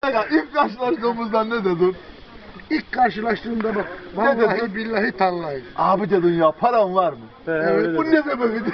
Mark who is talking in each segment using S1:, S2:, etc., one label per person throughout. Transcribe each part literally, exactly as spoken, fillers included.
S1: İlk karşılaştığımızda ne dedin?
S2: İlk karşılaştığımda bak,
S1: Ne
S2: vallahi
S1: dedin?
S2: billahi tallahi.
S1: Abi dedin ya paran var mı?
S2: Evet,
S1: Bu ne sebebiydi?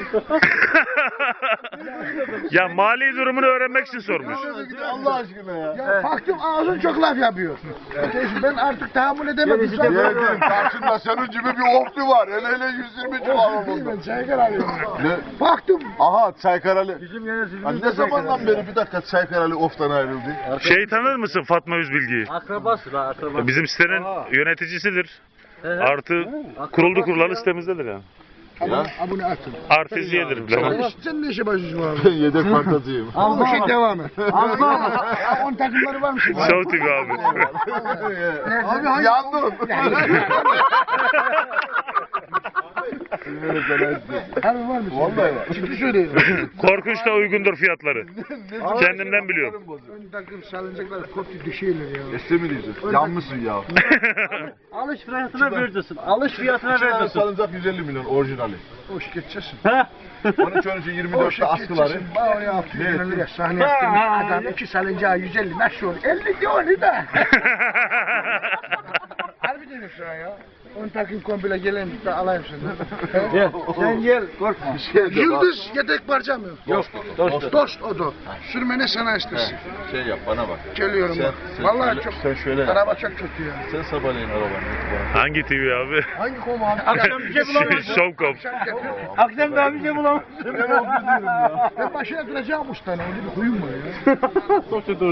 S3: Ya mali durumunu öğrenmek için sormuş.
S1: Allah aşkına ya.
S2: Ya baktım ağzın çok laf yapıyor. Neyse, ben artık tahammül edemedim.
S1: Yeğenim karşında senin gibi bir oflu var. Hele hele yüz yirmi civarı
S2: Değil
S1: oldu.
S2: mi? Çaykar alıyorum.
S1: Ne?
S2: Baktım.
S1: Aha Çaykaralı.
S2: Bizim yöneticimiz
S1: Hani ne zamandan beri bir dakika Çaykaralı oftan ayrıldı?
S3: Şey tanır mısın Fatma Üzbilgi'yi?
S4: Akrabası da akrabası.
S3: Bizim sitenin yöneticisidir. Artı kuruldu kurulan sitemizdedir yani.
S2: Abone, abone atın.
S3: Artizyedir bile.
S2: Sen ne işe başlıyorsun abi?
S1: Ben yedek fantasiyim.
S2: Bu şey devam et. Ha, on takımları var mı şimdi?
S3: Show T V abi.
S2: Abi hangi?
S1: Yandın.
S2: Harbi var mı?
S1: Vallahi var.
S2: Ciddi söylüyorum.
S3: Korkunç da uygundur fiyatları. Kendimden biliyorum.
S2: Ön takım salıncaklar koptu düşüyorlar ya.
S1: Este mi diyeceğiz? Yanmışsın ya.
S4: Alış fiyatına vereceksin. Alış fiyatına
S1: İki tane
S4: vereceksin.
S1: salıncak yüz elli milyon orijinali.
S2: Hoş geçeceksin.
S1: on üç on üç yirmi dörtte askıları.
S2: Bana oraya altı yüz bin liraya sahne yaptım. Adam iki salıncağı yüz elli nasıl olur? elli diyor onu da. Harbi diyorsun ya. On takım komple gelen de alayım senden.
S4: Gel. Sen gel. Korkma.
S2: Yıldız yedek parça mı?
S4: Yok. Dost.
S2: Dost o da. Sürmene sana istesin.
S1: Şey yap bana bak.
S2: Geliyorum
S1: Sen-
S2: bak.
S1: sen
S2: Vallahi
S1: şöyle-
S2: çok.
S1: sen şöyle yap.
S2: Araba çok kötü ya.
S1: Sen sabahleyin arabanı.
S3: Hangi T V abi?
S2: Hangi konu abi?
S4: Akşam bir şey bulamazsın.
S3: Showcom.
S2: Akşam getir.
S4: Akşam daha bir şey bulamazsın.
S2: Ben başına duracağım ustana. Öyle bir huyum var ya.